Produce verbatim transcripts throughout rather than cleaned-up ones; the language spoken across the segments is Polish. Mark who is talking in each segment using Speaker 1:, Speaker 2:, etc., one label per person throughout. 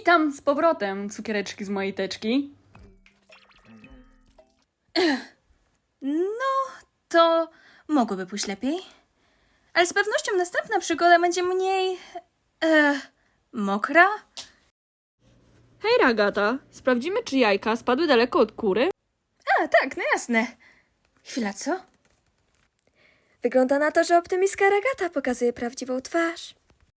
Speaker 1: Witam z powrotem, cukiereczki z mojej teczki.
Speaker 2: No, to mogłoby pójść lepiej. Ale z pewnością następna przygoda będzie mniej... E, mokra?
Speaker 1: Hej, Ragata, sprawdzimy, czy jajka spadły daleko od kury?
Speaker 2: A, tak, no jasne. Chwila, co?
Speaker 3: Wygląda na to, że optymistka Ragata pokazuje prawdziwą twarz.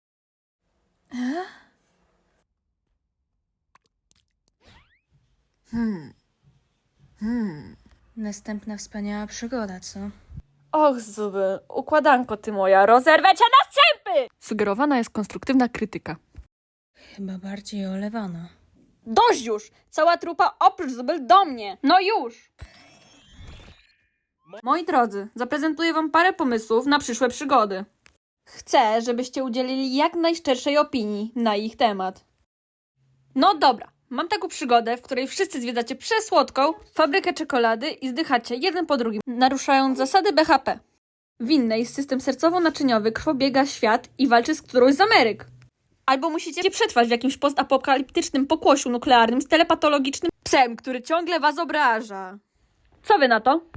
Speaker 2: Hmm. Hmm. Następna wspaniała przygoda, co?
Speaker 1: Och, Zuby, układanko ty moja, rozerwę cię na strzępy! Sugerowana jest konstruktywna krytyka.
Speaker 2: Chyba bardziej olewana.
Speaker 1: Dość już! Cała trupa oprócz Zubel do mnie! No już! Moi drodzy, zaprezentuję wam parę pomysłów na przyszłe przygody. Chcę, żebyście udzielili jak najszczerszej opinii na ich temat. No dobra, mam taką przygodę, w której wszyscy zwiedzacie przesłodką fabrykę czekolady i zdychacie jeden po drugim, naruszając zasady B H P. W innej system sercowo-naczyniowy krwobiega świat i walczy z którąś z Ameryk. Albo musicie przetrwać w jakimś postapokaliptycznym pokłosiu nuklearnym z telepatologicznym psem, który ciągle was obraża. Co wy na to?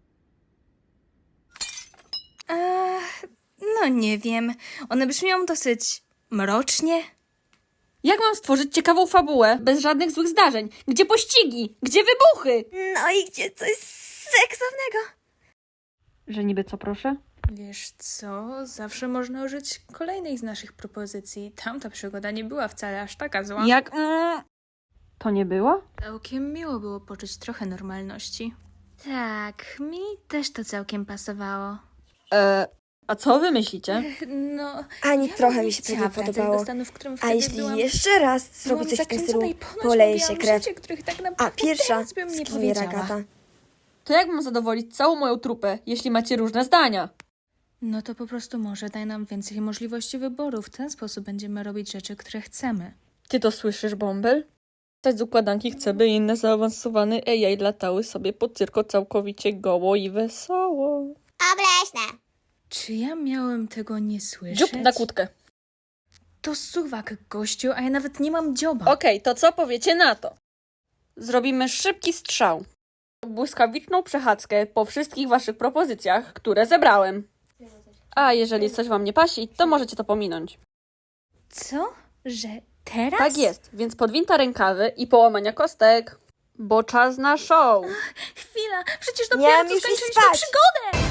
Speaker 2: Eee, no nie wiem. One brzmią dosyć mrocznie.
Speaker 1: Jak mam stworzyć ciekawą fabułę bez żadnych złych zdarzeń? Gdzie pościgi? Gdzie wybuchy?
Speaker 3: No i gdzie coś seksownego?
Speaker 1: Że niby co, proszę?
Speaker 2: Wiesz co, zawsze można użyć kolejnej z naszych propozycji. Tamta przygoda nie była wcale aż taka zła.
Speaker 1: Jak... Mm, to nie było?
Speaker 2: Całkiem miło było poczuć trochę normalności. Tak, mi też to całkiem pasowało.
Speaker 1: E, a co wy myślicie?
Speaker 2: No,
Speaker 3: Ani
Speaker 2: ja
Speaker 3: trochę
Speaker 2: bym
Speaker 3: mi się to
Speaker 2: chciała
Speaker 3: nie
Speaker 2: wracać
Speaker 3: podobało.
Speaker 2: do stanu, w którym
Speaker 3: A
Speaker 2: wtedy
Speaker 3: jeśli
Speaker 2: byłam,
Speaker 3: jeszcze raz zrobi
Speaker 2: byłam
Speaker 3: coś w tym stylu,
Speaker 2: zakręcona i ponoć
Speaker 3: poleje się
Speaker 2: mówiłam
Speaker 3: krew.
Speaker 2: rzeczy, których tak
Speaker 3: A
Speaker 2: naprawdę
Speaker 3: pierwsza
Speaker 2: teraz bym nie
Speaker 3: skimie
Speaker 2: powiedziała.
Speaker 3: Ragata.
Speaker 1: To jak mam zadowolić całą moją trupę, jeśli macie różne zdania?
Speaker 2: No to po prostu może daj nam więcej możliwości wyboru. W ten sposób będziemy robić rzeczy, które chcemy.
Speaker 1: Ty to słyszysz, Bąbel? Coś z układanki chce, by inne zaawansowane A I latały sobie po cyrko całkowicie goło i wesoło.
Speaker 3: Obleśne.
Speaker 2: Czy ja miałem tego nie słyszeć?
Speaker 1: Dziób na kłódkę.
Speaker 2: To suwak, gościu, a ja nawet nie mam dzioba.
Speaker 1: Okej, to co powiecie na to? Zrobimy szybki strzał. Błyskawiczną przechadzkę po wszystkich waszych propozycjach, które zebrałem. A jeżeli coś wam nie pasi, to możecie to pominąć.
Speaker 2: Co? Że teraz?
Speaker 1: Tak jest, więc podwinta rękawy i połamania kostek. Bo czas na show.
Speaker 2: Chwila, przecież
Speaker 3: Miałam
Speaker 2: dopiero co
Speaker 3: już iść
Speaker 2: skończyliśmy
Speaker 3: spać.
Speaker 2: przygodę!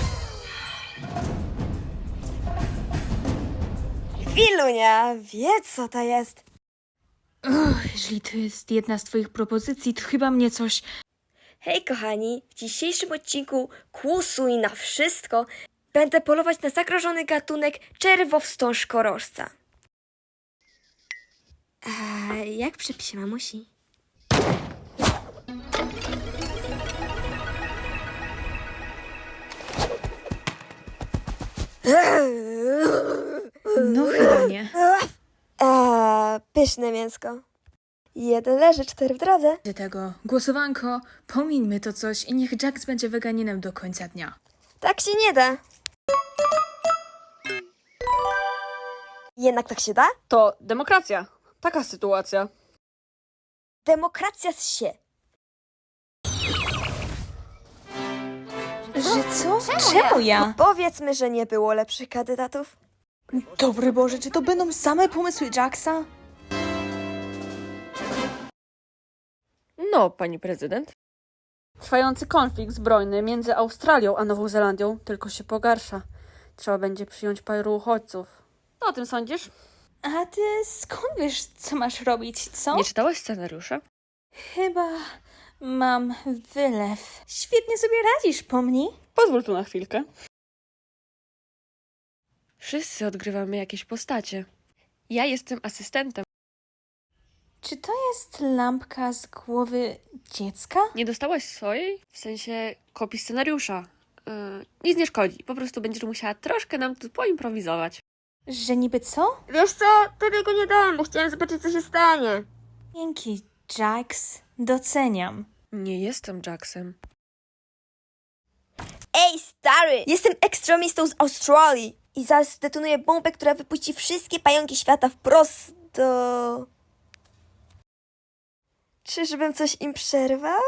Speaker 3: Chwilunia, wie co to jest.
Speaker 2: Uch, jeżeli to jest jedna z twoich propozycji, to chyba mnie coś...
Speaker 3: Hej kochani, w dzisiejszym odcinku Kłusuj na wszystko będę polować na zagrożony gatunek czerwowstążkorożca. A jak w przepisie mamusi?
Speaker 2: No chyba nie.
Speaker 3: A, pyszne mięsko. Jeden leży, cztery w drodze.
Speaker 2: Do tego, głosowanko, pomińmy to coś i niech Jax będzie weganinem do końca dnia.
Speaker 3: Tak się nie da. Jednak tak się da?
Speaker 1: To demokracja. Taka sytuacja.
Speaker 3: Demokracja z się.
Speaker 2: Że co? Czemu ja?
Speaker 3: Powiedzmy, że nie było lepszych kandydatów.
Speaker 2: Dobry Boże, czy to będą same pomysły Jaxa?
Speaker 1: No, pani prezydent. Trwający konflikt zbrojny między Australią a Nową Zelandią tylko się pogarsza. Trzeba będzie przyjąć paru uchodźców. Co o tym sądzisz?
Speaker 2: A ty skąd wiesz, co masz robić, co?
Speaker 1: Nie czytałaś scenariusza?
Speaker 2: Chyba mam wylew. Świetnie sobie radzisz, pomni?
Speaker 1: Pozwól tu na chwilkę. Wszyscy odgrywamy jakieś postacie. Ja jestem asystentem.
Speaker 2: Czy to jest lampka z głowy dziecka?
Speaker 1: Nie dostałaś swojej? W sensie kopii scenariusza. Yy, nic nie szkodzi. Po prostu będziesz musiała troszkę nam tu poimprowizować.
Speaker 2: Że niby co?
Speaker 3: Wiesz co? Tobie go nie dam, bo chciałem zobaczyć, co się stanie.
Speaker 2: Dzięki, Jax. Doceniam.
Speaker 1: Nie jestem Jacksem.
Speaker 3: Ej, stary! Jestem ekstremistą z Australii i zaraz zdetonuję bombę, która wypuści wszystkie pająki świata wprost do... Czyżbym coś im przerwał?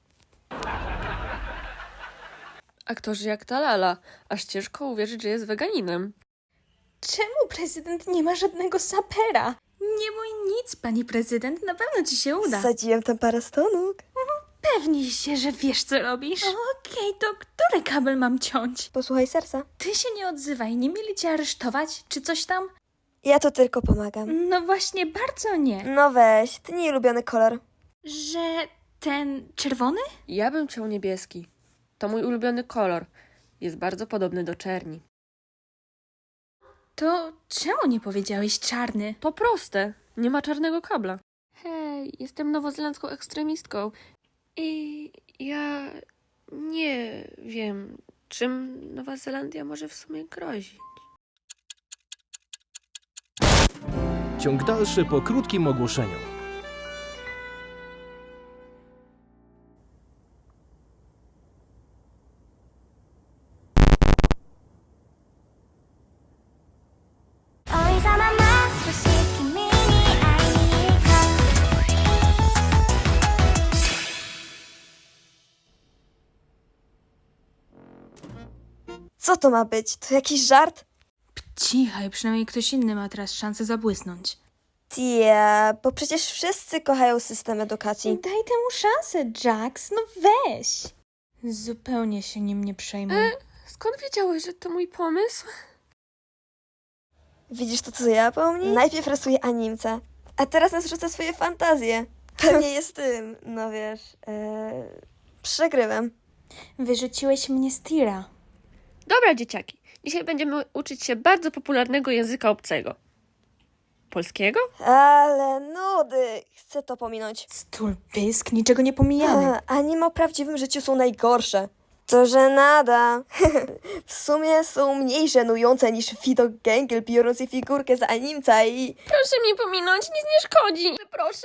Speaker 1: Aktorzy jak ta Lala, aż ciężko uwierzyć, że jest weganinem.
Speaker 2: Czemu prezydent nie ma żadnego sapera? Nie mój nic, pani prezydent, na pewno ci się uda.
Speaker 3: Wsadziłem tam parę stonóg.
Speaker 2: Pewnij się, że wiesz, co robisz. Okej, to który kabel mam ciąć?
Speaker 3: Posłuchaj serca.
Speaker 2: Ty się nie odzywaj, nie mieli cię aresztować, czy coś tam?
Speaker 3: Ja tu tylko pomagam.
Speaker 2: No właśnie, bardzo nie.
Speaker 3: No weź, ty nie ulubiony kolor.
Speaker 2: Że ten czerwony?
Speaker 1: Ja bym chciał niebieski. To mój ulubiony kolor. Jest bardzo podobny do czerni.
Speaker 2: To czemu nie powiedziałeś czarny?
Speaker 1: To proste. Nie ma czarnego kabla. Hej, jestem nowozelandzką ekstremistką. I ja nie wiem, czym Nowa Zelandia może w sumie grozić.
Speaker 4: Ciąg dalszy po krótkim ogłoszeniu.
Speaker 3: Co to ma być? To jakiś żart?
Speaker 2: Cichaj, przynajmniej ktoś inny ma teraz szansę zabłysnąć.
Speaker 3: Tia, bo przecież wszyscy kochają system edukacji.
Speaker 2: Daj temu szansę, Jax, no weź. Zupełnie się nim nie przejmuj.
Speaker 1: E, skąd wiedziałeś, że to mój pomysł?
Speaker 3: Widzisz to, co ja po mnie? Najpierw rysuję animce, a teraz nas rzuca swoje fantazje. Pewnie jest tym, no wiesz, ee, przegrywem.
Speaker 2: Wyrzuciłeś mnie z tira.
Speaker 1: Dobra, dzieciaki. Dzisiaj będziemy uczyć się bardzo popularnego języka obcego. Polskiego?
Speaker 3: Ale nudy, chcę to pominąć.
Speaker 2: Stul pysk, niczego nie pomijamy.
Speaker 3: A, anime w prawdziwym życiu są najgorsze. To żenada. W sumie są mniej żenujące niż widok gęgiel biorący figurkę z animca i...
Speaker 1: Proszę mnie pominąć, nic nie szkodzi. Proszę.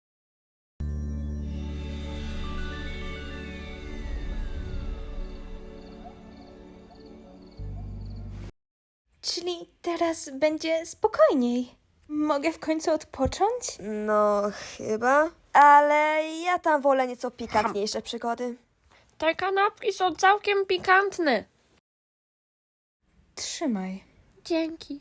Speaker 2: Czyli teraz będzie spokojniej. Mogę w końcu odpocząć?
Speaker 3: No, chyba. Ale ja tam wolę nieco pikantniejsze przygody.
Speaker 1: Te kanapki są całkiem pikantne.
Speaker 2: Trzymaj.
Speaker 1: Dzięki.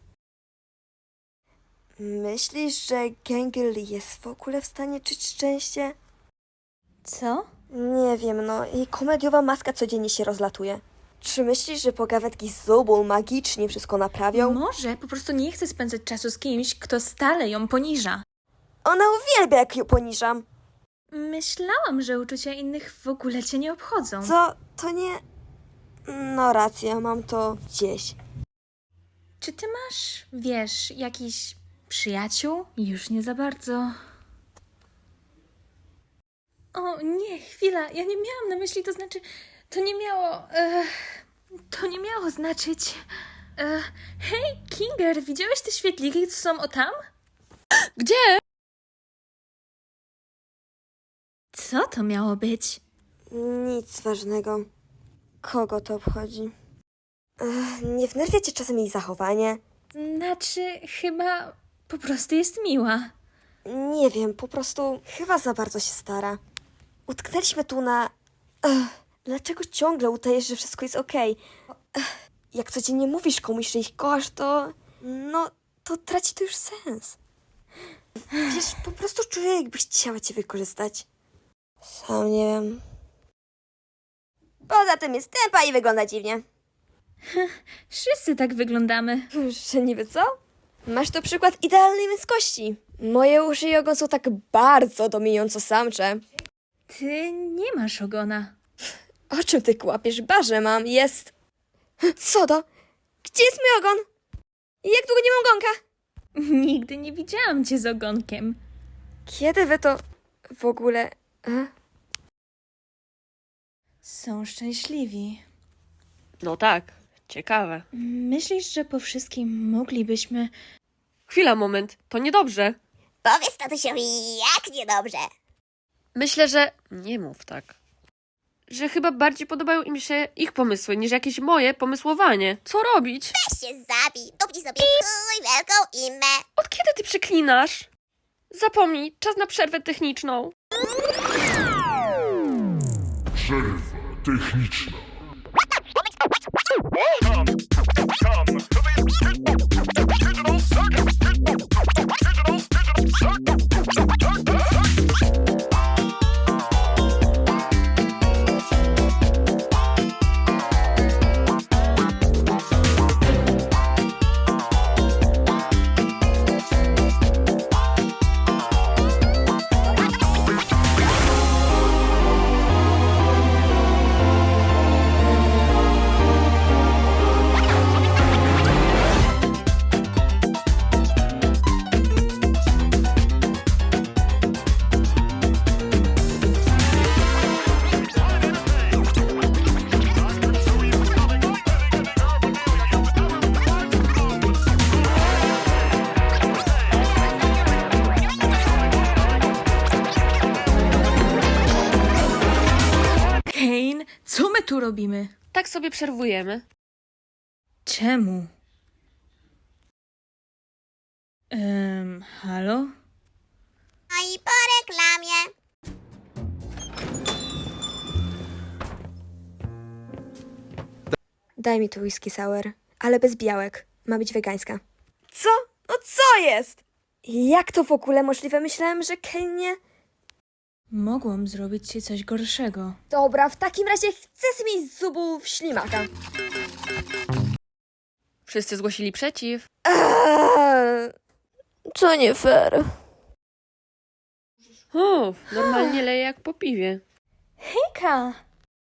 Speaker 3: Myślisz, że gęgiel jest w ogóle w stanie czuć szczęście?
Speaker 2: Co?
Speaker 3: Nie wiem, no. Jej komediowa maska codziennie się rozlatuje. Czy myślisz, że pogawędki z Zobul magicznie wszystko naprawią?
Speaker 2: Może po prostu nie chce spędzać czasu z kimś, kto stale ją poniża.
Speaker 3: Ona uwielbia, jak ją poniżam.
Speaker 2: Myślałam, że uczucia innych w ogóle cię nie obchodzą.
Speaker 3: Co? To nie... No racja, mam to gdzieś.
Speaker 2: Czy ty masz, wiesz, jakiś przyjaciół? Już nie za bardzo. O nie, chwila, ja nie miałam na myśli, to znaczy, to nie miało, e, to nie miało znaczyć. E, hej, Kinger, widziałeś te świetliki, co są o tam?
Speaker 1: Gdzie?
Speaker 2: Co to miało być?
Speaker 3: Nic ważnego. Kogo to obchodzi? Ech, nie wnerwia cię czasem jej zachowanie?
Speaker 2: Znaczy, chyba po prostu jest miła.
Speaker 3: Nie wiem, po prostu chyba za bardzo się stara. Utknęliśmy tu na... Ech, dlaczego ciągle udajesz, że wszystko jest okej? Ech, jak codziennie mówisz komuś, że ich kochasz, to... No, to traci to już sens. Wiesz, po prostu czuję, jakbyś chciała cię wykorzystać. Sam nie wiem. Poza tym jest tępa i wygląda dziwnie.
Speaker 2: Wszyscy tak wyglądamy.
Speaker 3: Że niby co? Masz tu przykład idealnej męskości. Moje uszy i ogon są tak bardzo dominująco samcze.
Speaker 2: Ty nie masz ogona.
Speaker 3: O czym ty kłapiesz? Barze mam. Jest... Co to? Gdzie jest mój ogon? Jak długo nie mam ogonka?
Speaker 2: Nigdy nie widziałam cię z ogonkiem.
Speaker 3: Kiedy wy to w ogóle... E?
Speaker 2: Są szczęśliwi.
Speaker 1: No tak, ciekawe.
Speaker 2: Myślisz, że po wszystkim moglibyśmy...
Speaker 1: Chwila, moment, to niedobrze.
Speaker 5: Powiedz tatusiowi, jak niedobrze.
Speaker 1: Myślę, że... Nie mów tak. Że chyba bardziej podobają im się ich pomysły, niż jakieś moje pomysłowanie. Co robić?
Speaker 5: Weź się zabij, dupnij sobie chuj wielką imę.
Speaker 1: Od kiedy ty przeklinasz? Zapomnij, czas na przerwę techniczną.
Speaker 6: Przerwa techniczna.
Speaker 2: Kane, co my tu robimy?
Speaker 1: Tak sobie przerwujemy.
Speaker 2: Czemu? Ehm, halo?
Speaker 5: No i po reklamie.
Speaker 3: Daj mi tu whisky sour, ale bez białek. Ma być wegańska. Co? No co jest? Jak to w ogóle możliwe? Myślałem, że Kane nie...
Speaker 2: Mogłam zrobić ci coś gorszego.
Speaker 3: Dobra, w takim razie chcę sobie mieć z zubów ślimaka.
Speaker 1: Wszyscy zgłosili przeciw.
Speaker 3: Eee, to nie fair.
Speaker 1: O, normalnie leje jak po piwie.
Speaker 2: Hejka!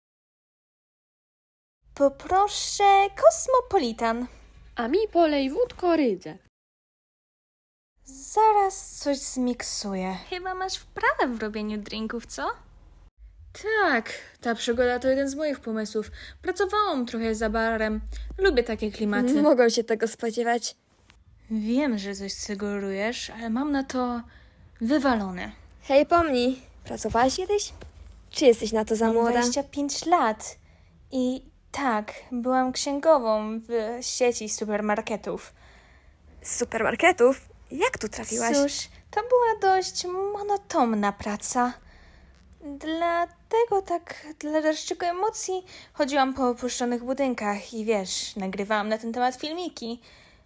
Speaker 2: Poproszę kosmopolitan.
Speaker 1: A mi polej wódko rydze.
Speaker 2: Zaraz coś zmiksuję. Chyba masz wprawę w robieniu drinków, co? Tak, ta przygoda to jeden z moich pomysłów. Pracowałam trochę za barem. Lubię takie klimaty.
Speaker 3: Mogą się tego spodziewać.
Speaker 2: Wiem, że coś sugerujesz, ale mam na to wywalone.
Speaker 3: Hej, pomnij. Pracowałaś kiedyś? Czy jesteś na to za
Speaker 2: Mam
Speaker 3: młoda?
Speaker 2: dwadzieścia pięć lat i tak, byłam księgową w sieci supermarketów.
Speaker 3: Z supermarketów? Jak tu trafiłaś?
Speaker 2: Cóż, to była dość monotomna praca. Dlatego tak dla dreszczyku emocji chodziłam po opuszczonych budynkach i wiesz, nagrywałam na ten temat filmiki.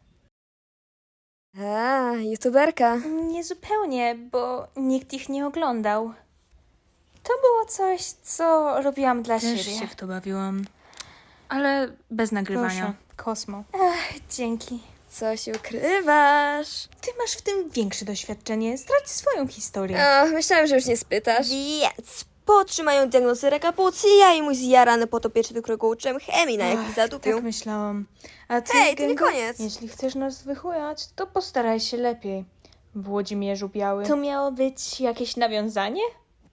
Speaker 3: A, youtuberka.
Speaker 2: Nie zupełnie, bo nikt ich nie oglądał. To było coś, co robiłam dla
Speaker 7: Też
Speaker 2: siebie.
Speaker 7: się w to bawiłam. Ale bez nagrywania.
Speaker 2: Proszę. Kosmo. Ach, dzięki.
Speaker 3: Coś ukrywasz.
Speaker 2: Ty masz w tym większe doświadczenie. Zdradź swoją historię.
Speaker 3: Ach, myślałem, że już nie spytasz. Więc potrzymają diagnozy raka płuca i mój zjarany potopieczny, do którego uczyłem chemii na jakiś
Speaker 2: Ach,
Speaker 3: zadupił.
Speaker 2: tak myślałam. A ty,
Speaker 3: Hej, to nie
Speaker 2: Gęgo,
Speaker 3: koniec.
Speaker 2: jeśli chcesz nas wychujać, to postaraj się lepiej. W Włodzimierzu Białym. To miało być jakieś nawiązanie?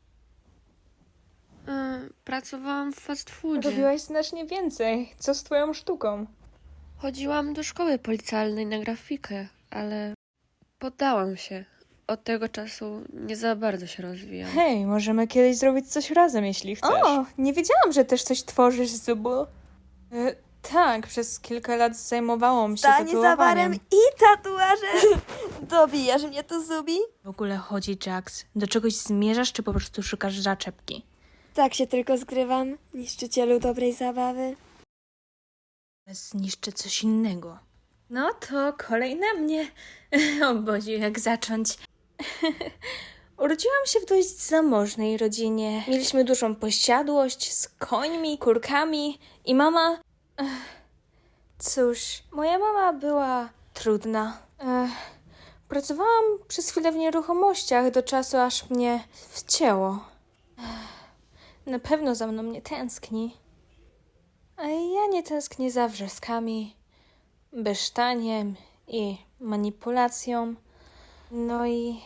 Speaker 1: E, pracowałam w fast foodzie.
Speaker 2: Robiłaś znacznie więcej. Co z twoją sztuką?
Speaker 1: Chodziłam do szkoły policjalnej na grafikę, ale poddałam się. Od tego czasu nie za bardzo się rozwijam.
Speaker 2: Hej, możemy kiedyś zrobić coś razem, jeśli chcesz. O, nie wiedziałam, że też coś tworzysz z zubu. E, tak, przez kilka lat zajmowałam się
Speaker 3: Stanie za barem
Speaker 2: tatuowaniem.
Speaker 3: i tatuaże. Dobijasz mnie tu, Zubi?
Speaker 7: W ogóle chodzi, Jax. Do czegoś zmierzasz, czy po prostu szukasz zaczepki?
Speaker 3: Tak się tylko zgrywam, niszczycielu dobrej zabawy.
Speaker 7: Zniszczę coś innego.
Speaker 2: No to kolej na mnie. O Boziu, jak zacząć? Urodziłam się w dość zamożnej rodzinie. Mieliśmy dużą posiadłość z końmi, kurkami i mama... Ech, cóż, moja mama była trudna. Ech, pracowałam przez chwilę w nieruchomościach do czasu, aż mnie wcięło. Ech, na pewno za mną nie tęskni. A ja nie tęsknię za wrzaskami, besztaniem i manipulacją. No i...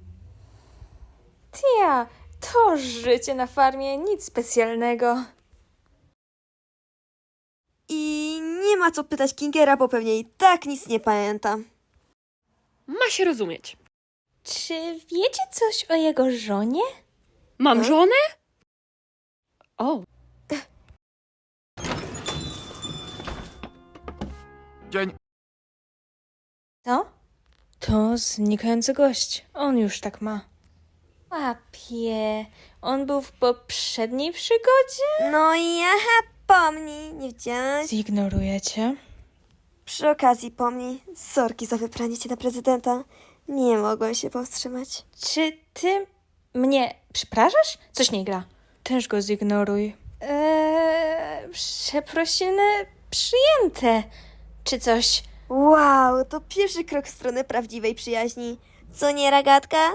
Speaker 2: Tia, to życie na farmie, nic specjalnego.
Speaker 3: I nie ma co pytać Kingera, bo pewnie i tak nic nie pamięta.
Speaker 1: Ma się rozumieć.
Speaker 2: Czy wiecie coś o jego żonie?
Speaker 1: Mam żonę? O,
Speaker 6: Dzień.
Speaker 2: Co? To znikający gość. On już tak ma. Łapie. On był w poprzedniej przygodzie?
Speaker 3: No i aha, pomnij, nie widziałaś?
Speaker 7: Zignoruję cię.
Speaker 3: Przy okazji pomnij, sorki za wybranie cię na prezydenta. Nie mogłem się powstrzymać.
Speaker 2: Czy ty mnie przepraszasz? Coś nie gra.
Speaker 7: Też go zignoruj.
Speaker 2: Eee, przeprosiny przyjęte. Czy coś.
Speaker 3: Wow, to pierwszy krok w stronę prawdziwej przyjaźni. Co nie, ragatka?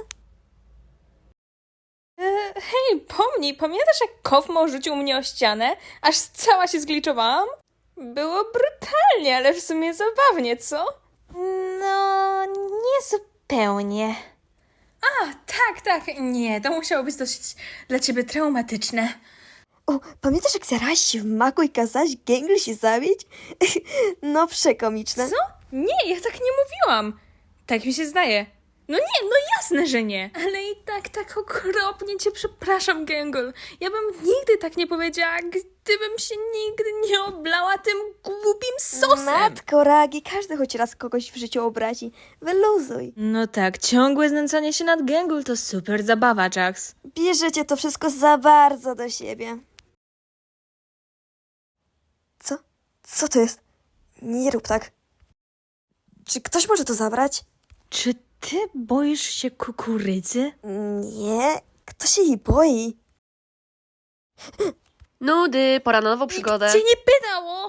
Speaker 2: Eee, hej, pomnij, pamiętasz jak Kofmo rzucił mnie o ścianę? Aż cała się zgliczowałam? Było brutalnie, ale w sumie zabawnie, co? No, nie zupełnie. A, tak, tak. Nie, to musiało być dosyć dla ciebie traumatyczne.
Speaker 3: O, pamiętasz jak zarałaś się w maku i kazałaś gęgli się zabić? No przekomiczne.
Speaker 2: Co? Nie, ja tak nie mówiłam. Tak mi się zdaje. No nie, no jasne, że nie. Ale i tak, tak okropnie cię przepraszam, Gęgol. Ja bym nigdy tak nie powiedziała, gdybym się nigdy nie oblała tym głupim sosem.
Speaker 3: Matko Ragi, każdy choć raz kogoś w życiu obrazi. Wyluzuj.
Speaker 7: No tak, ciągłe znęcanie się nad Gęgul to super zabawa, Jax.
Speaker 3: Bierzecie to wszystko za bardzo do siebie. Co? Co to jest? Nie rób tak. Czy ktoś może to zabrać?
Speaker 7: Czy ty boisz się kukurydzy?
Speaker 3: Nie, kto się jej boi?
Speaker 1: Nudy, pora na nową przygodę.
Speaker 2: Cię nie pytało.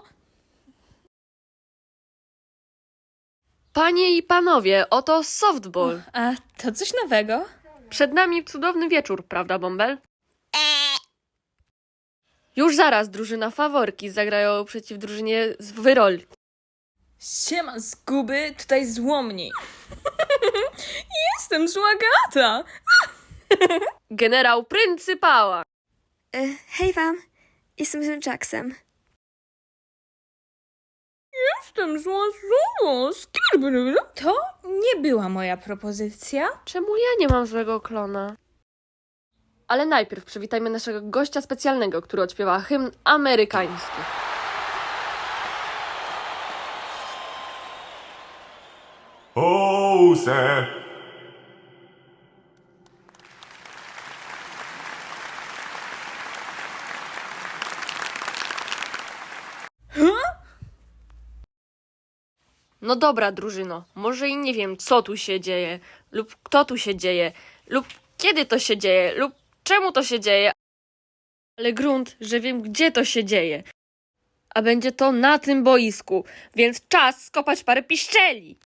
Speaker 1: Panie i panowie, oto softball.
Speaker 2: A to coś nowego?
Speaker 1: Przed nami cudowny wieczór, prawda, Bąbel?
Speaker 5: Eee,
Speaker 1: Już zaraz drużyna faworki zagrają przeciw drużynie z Wyrol.
Speaker 2: Siema, zguby, tutaj złomni. Jestem złagata.
Speaker 1: Generał pryncypała.
Speaker 3: E, hej wam, jestem z Jacksem.
Speaker 2: Jestem zła zło. To nie była moja propozycja.
Speaker 1: Czemu ja nie mam złego klona? Ale najpierw przywitajmy naszego gościa specjalnego, który odśpiewa hymn amerykański.
Speaker 6: Jose.
Speaker 1: No dobra, drużyno, może i nie wiem, co tu się dzieje, lub kto tu się dzieje, lub kiedy to się dzieje, lub czemu to się dzieje, ale grunt, że wiem, gdzie to się dzieje. A będzie to na tym boisku, więc czas skopać parę piszczeli.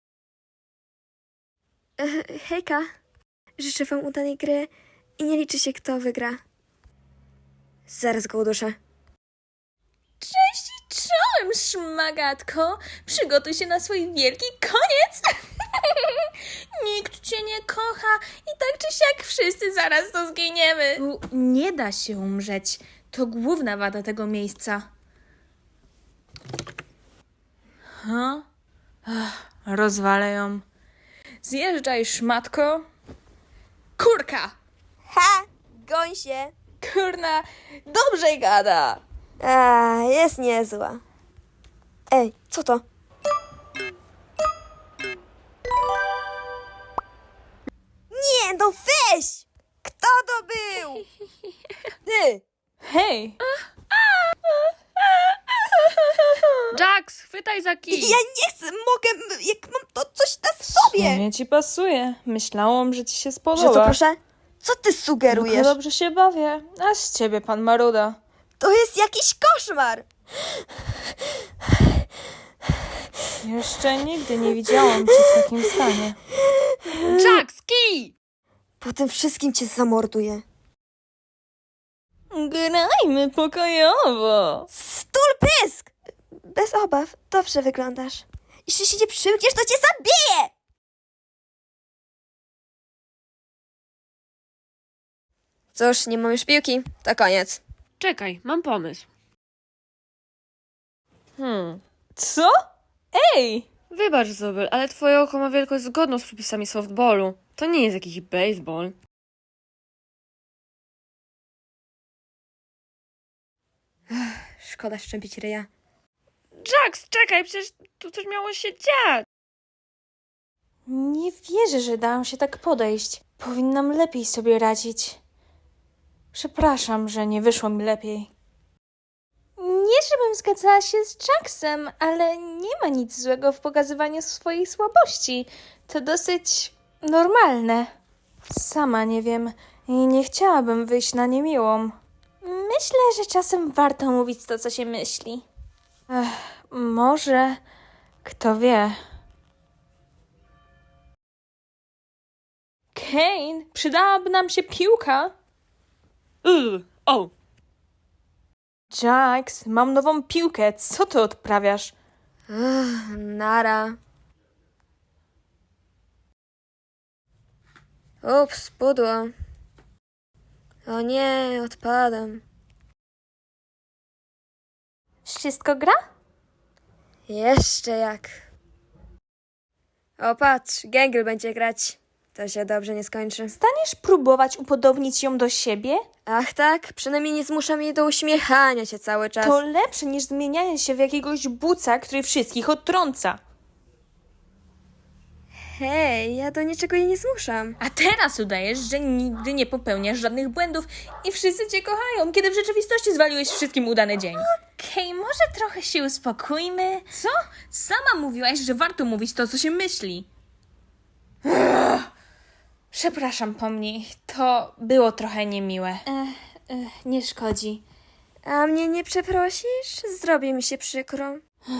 Speaker 3: E, hejka, życzę wam udanej gry i nie liczy się kto wygra. Zaraz go uduszę.
Speaker 2: Cześć i czołem, szmagatko. Przygotuj się na swój wielki koniec. Nikt cię nie kocha i tak czy siak wszyscy zaraz to zginiemy. Tu nie da się umrzeć. To główna wada tego miejsca.
Speaker 7: Ha? Ach, rozwalę ją.
Speaker 2: Zjeżdżaj, szmatko. Kurka!
Speaker 3: Ha! Goń się!
Speaker 2: Kurna, dobrze gada.
Speaker 3: A, jest niezła. Ej, co to? Nie, no weź! Kto to był? Ty!
Speaker 2: Hej!
Speaker 1: Jax, chwytaj za kij.
Speaker 3: Ja nie chcę, mogę, jak mam to coś na
Speaker 7: W
Speaker 3: sobie!
Speaker 7: sumie ci pasuje. Myślałam, że ci się
Speaker 3: Że
Speaker 7: spodoba.
Speaker 3: co, proszę? Co ty
Speaker 7: No
Speaker 3: sugerujesz?
Speaker 7: dobrze się bawię. A z ciebie, pan Maruda.
Speaker 3: To jest jakiś koszmar!
Speaker 7: Jeszcze nigdy nie widziałam cię w takim stanie.
Speaker 1: Jax, kij!
Speaker 3: Po tym wszystkim cię zamorduję.
Speaker 2: Grajmy pokojowo.
Speaker 3: Stul pysk! Bez obaw, dobrze wyglądasz. Jeśli się nie przymkniesz, to cię zabiję! Cóż, nie mam już piłki. To koniec.
Speaker 1: Czekaj, mam pomysł.
Speaker 7: Hmm.
Speaker 2: Co? Ej!
Speaker 1: Wybacz, Zobel, ale twoje oko ma wielkość zgodną z przepisami softballu. To nie jest jakiś baseball.
Speaker 3: Szkoda szczępić ryja.
Speaker 1: Jax, czekaj, przecież tu coś miało się dziać.
Speaker 7: Nie wierzę, że dałam się tak podejść. Powinnam lepiej sobie radzić. Przepraszam, że nie wyszło mi lepiej.
Speaker 2: Nie, żebym zgadzała się z Jacksem, ale nie ma nic złego w pokazywaniu swojej słabości. To dosyć normalne.
Speaker 7: Sama nie wiem i nie chciałabym wyjść na niemiłą.
Speaker 2: Myślę, że czasem warto mówić to, co się myśli.
Speaker 7: Ech, może... Kto wie.
Speaker 2: Kane, przydałaby nam się piłka.
Speaker 1: Yy, o,
Speaker 7: Jax, mam nową piłkę. Co ty odprawiasz?
Speaker 3: Ugh, nara. Ups, pudło. O nie, odpadam.
Speaker 2: Wszystko gra?
Speaker 3: Jeszcze jak. O patrz, Gęgel będzie grać. To się dobrze nie skończy.
Speaker 2: Staniesz próbować upodobnić ją do siebie?
Speaker 3: Ach tak, przynajmniej nie zmuszam jej do uśmiechania się cały czas.
Speaker 2: To lepsze niż zmienianie się w jakiegoś buca, który wszystkich odtrąca.
Speaker 3: Hej, ja do niczego jej nie zmuszam.
Speaker 2: A teraz udajesz, że nigdy nie popełniasz żadnych błędów i wszyscy cię kochają, kiedy w rzeczywistości zwaliłeś wszystkim udany dzień. Okej, może trochę się uspokójmy? Co? Sama mówiłaś, że warto mówić to, co się myśli. Ugh. Przepraszam, pomnij. To było trochę niemiłe.
Speaker 7: Nie szkodzi.
Speaker 3: A mnie nie przeprosisz? Zrobi mi się przykro.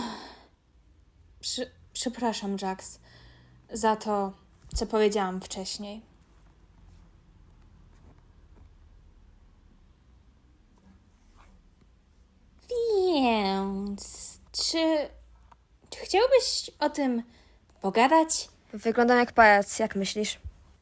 Speaker 7: Przy, przepraszam, Jax, za to, co powiedziałam wcześniej. Więc, czy, czy chciałbyś o tym pogadać?
Speaker 3: Wyglądam jak pajac, jak myślisz?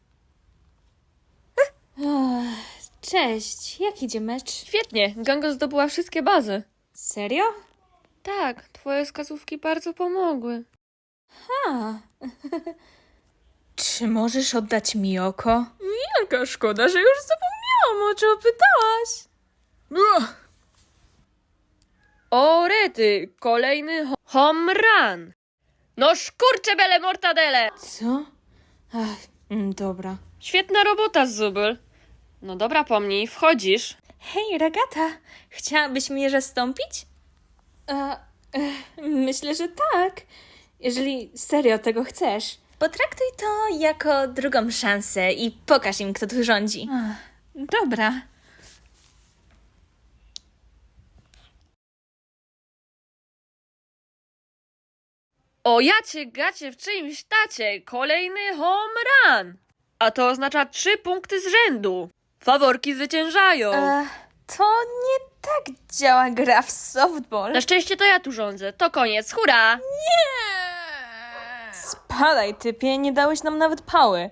Speaker 7: Cześć, jak idzie mecz?
Speaker 1: świetnie, Ganga zdobyła wszystkie bazy.
Speaker 7: Serio?
Speaker 1: Tak, twoje wskazówki bardzo pomogły.
Speaker 7: A. Czy możesz oddać mi oko?
Speaker 2: Jaka szkoda, że już zapomniałam, o czym pytałaś.
Speaker 1: O rety, kolejny ho- home run. No szkurcze bele mortadele.
Speaker 7: Co? Ach, mm, dobra.
Speaker 1: Świetna robota, Zubel. No dobra, pomnij, wchodzisz.
Speaker 2: Hej, Ragata, chciałabyś mnie zastąpić?
Speaker 7: E, e, myślę, że tak. Jeżeli serio tego chcesz.
Speaker 2: Potraktuj to jako drugą szansę i pokaż im, kto tu rządzi.
Speaker 7: Ach, dobra.
Speaker 1: O jacie gacie w czyimś tacie, kolejny home run. A to oznacza trzy punkty z rzędu. Faworki zwyciężają.
Speaker 2: E, to nie tak działa gra w softball.
Speaker 1: Na szczęście to ja tu rządzę. To koniec, hurra!
Speaker 7: Spadaj, typie, nie dałeś nam nawet pały.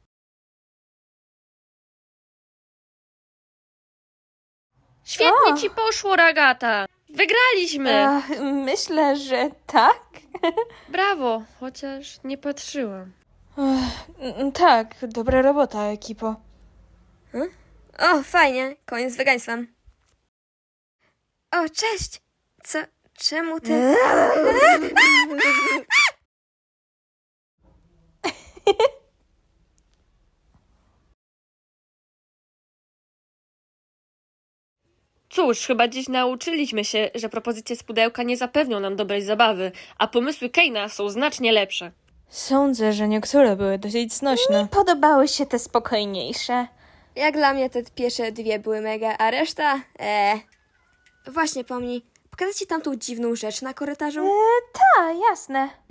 Speaker 1: Świetnie
Speaker 2: O.
Speaker 1: ci poszło, Ragata. Wygraliśmy.
Speaker 7: Ach, myślę, że tak.
Speaker 1: Brawo, chociaż nie patrzyłam.
Speaker 7: Mm, tak, dobra robota, ekipo.
Speaker 3: O, fajnie, koniec z wegaństwem. O, cześć! Co? Czemu ty...
Speaker 1: Cóż, chyba dziś nauczyliśmy się, że propozycje z pudełka nie zapewnią nam dobrej zabawy, a pomysły Kane'a są znacznie lepsze.
Speaker 7: Sądzę, że niektóre były dosyć znośne.
Speaker 2: Podobały się te spokojniejsze.
Speaker 3: Jak dla mnie te pierwsze dwie były mega, a reszta... Eee. Właśnie, pomnij, pokazać ci tamtą dziwną rzecz na korytarzu?
Speaker 2: Ta, jasne.